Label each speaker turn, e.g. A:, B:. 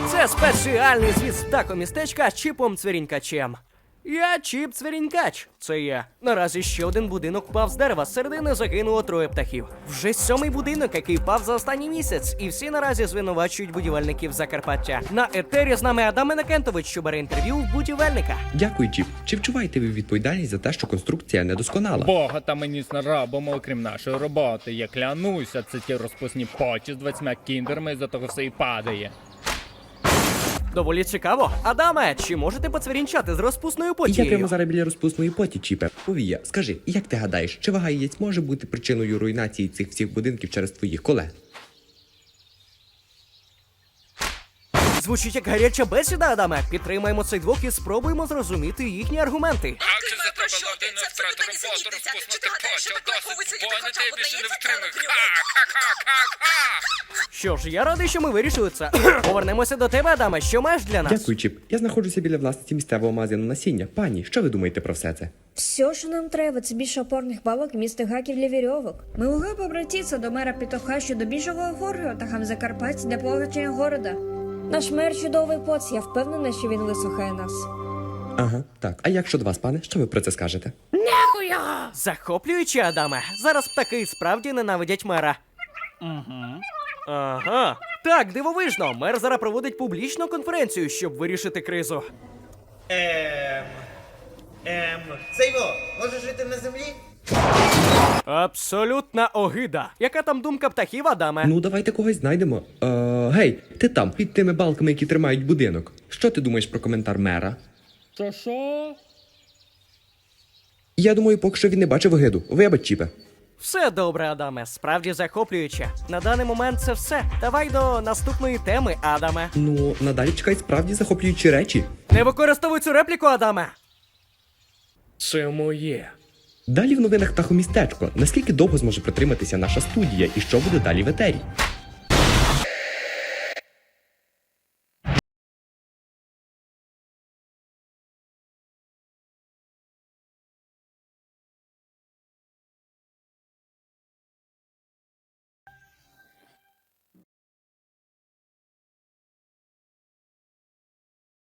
A: Це спеціальний звіт з птахомістечка з Чіпом Цвірінькачем. Я Чіп Цвірінькач. Це я. Наразі ще один будинок впав з дерева, з середини загинуло 3 птахів. Вже 7-й будинок, який впав за останній місяць, і всі наразі звинувачують будівельників Закарпаття. На етері з нами Адам Інокентович, що бере інтерв'ю в будівельника.
B: Дякую, Чіп. Чи вчуваєте ви відповідальність за те, що конструкція недосконала?
C: Бога та мені не робимо, окрім нашої роботи. Я клянуся, це ті розпусні почі з 20 кіндерами, за того все і падає.
A: Доволі цікаво. Адаме, чи можете поцвірінчати з розпусною
B: Я
A: потією?
B: прямо зараз біля розпусної поті, Чіпе. Повія, скажи, як ти гадаєш, чи вага яєць може бути причиною руйнації цих всіх будинків через твоїх колег?
A: Звучить як гаряча бесіда, Адаме. Підтримаємо цих двох і спробуємо зрозуміти їхні аргументи.
C: Як же за тебе людина втрати роботу, розпуснути почі, досить звонити, я більше не втримаю.
A: Що ж, я радий, що ми вирішили це. Повернемося до тебе, Адаме. Що маєш для нас?
B: Дякую, Чіп. Я знаходжуся біля власниці місцевого магазину насіння. Пані, що ви думаєте про все це?
D: Все, що нам треба, це більше опорних бабок і містих гаків для вірьовок. Ми могли б обратитися до мера Петуха щодо більшого оформлення птахам Закарпаття для погачення города. Наш мер чудовий поц, я впевнена, що він вислухає нас.
B: Ага, так. А як щодо вас, пане? Що ви про це скажете?
A: Захоплююче, Адаме. Зараз птахи справді ненавидять мера. Угу. Ага. Так, дивовижно. Мер зараз проводить публічну конференцію, щоб вирішити кризу.
E: Сейво, можеш жити на землі?
A: Абсолютна огида. Яка там думка птахів, Адаме?
B: Ну, давайте когось знайдемо. Гей, ти там, під тими балками, які тримають будинок. Що ти думаєш про коментар мера?
C: Що?
B: Я думаю, поки що він не бачив огиду. Вибач, Чіпе.
A: Все добре, Адаме. Справді захоплююче. На даний момент це все. Давай до наступної теми, Адаме.
B: Ну, надалі чекають справді захоплюючі речі.
A: Не використовуй цю репліку, Адаме. Це моє.
B: Далі в новинах птахомістечко. Наскільки довго зможе протриматися наша студія і що буде далі в етері?